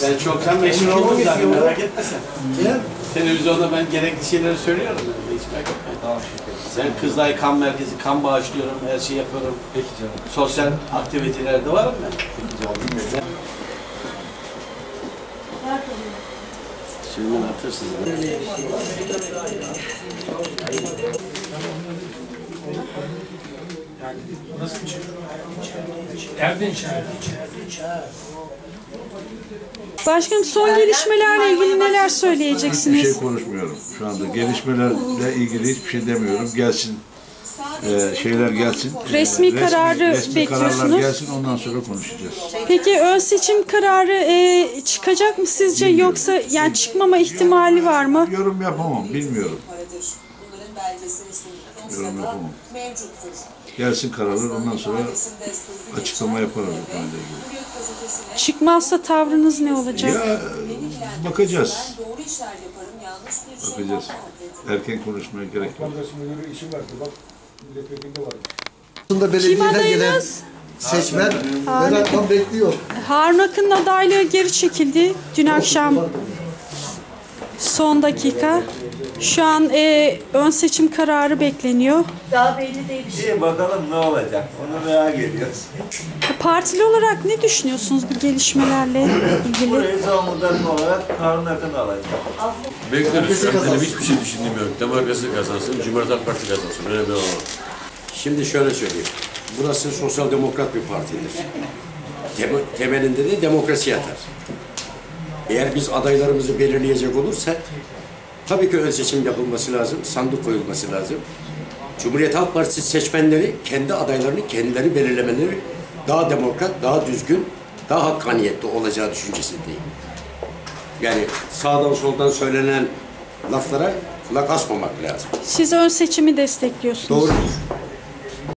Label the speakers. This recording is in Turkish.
Speaker 1: Sen çoktan meşhur oldun zaten, merak etme sen. Televizyonda ben gerekli şeyleri söylüyorum. Hiç merak etme. Tamam, sen Kızılay Kan Merkezi, kan bağışlıyorum, her şeyi yapıyorum. Peki canım. Sosyal aktivitelerde varım ben. Peki canım. Şimdi atırsınız.
Speaker 2: Yani nasıl bir şey? Nereden içeride?
Speaker 3: Başkanım, son gelişmelerle ilgili neler söyleyeceksiniz?
Speaker 4: Hiçbir şey konuşmuyorum şu anda. Gelişmelerle ilgili hiçbir şey demiyorum. Gelsin, şeyler gelsin.
Speaker 3: Resmi kararı
Speaker 4: resmi kararlar
Speaker 3: bekliyorsunuz.
Speaker 4: gelsin, ondan sonra konuşacağız.
Speaker 3: Peki ön seçim kararı çıkacak mı sizce, yoksa yani çıkmama ihtimali var mı?
Speaker 4: Yorum yapamam, bilmiyorum. Yorum yapamam. Gelsin kararlar, ondan sonra açıklama yaparız bu konuyla ilgili.
Speaker 3: Çıkmazsa tavrınız ne olacak?
Speaker 4: Ya bakacağız. Bakacağız. Erken konuşmaya gerek yok.
Speaker 5: Aslında
Speaker 3: Kim
Speaker 5: belediyeden gelen
Speaker 3: adayınız?
Speaker 5: seçmen merakla bekliyor.
Speaker 3: Harun Akın'ın adaylığı geri çekildi dün akşam, son dakika. Şu an ön seçim kararı bekleniyor.
Speaker 6: Daha belli değil.
Speaker 7: İyi bakalım ne olacak. Onu merak ediyoruz.
Speaker 3: Partili olarak ne düşünüyorsunuz bu gelişmelerle ilgili?
Speaker 7: Burayı Zonguldak olarak Harun Akın alacak.
Speaker 8: Bekleriz. Benim hiçbir şey düşündüğüm yok. Demokrasi kazansın, Cumhuriyet Halk Partisi kazansın. Önemli olan.
Speaker 9: Şimdi şöyle söyleyeyim. Burası sosyal demokrat bir partidir. Temelinde de demokrasi yatar. Eğer biz adaylarımızı belirleyecek olursak, tabii ki ön seçim yapılması lazım, sandık koyulması lazım. Cumhuriyet Halk Partisi seçmenleri kendi adaylarını kendileri belirlemeleri daha demokrat, daha düzgün, daha hakkaniyetli olacağı düşüncesindeyim. Yani sağdan soldan söylenen laflara kulak asmamak lazım.
Speaker 3: Siz ön seçimi destekliyorsunuz.
Speaker 9: Doğrudur.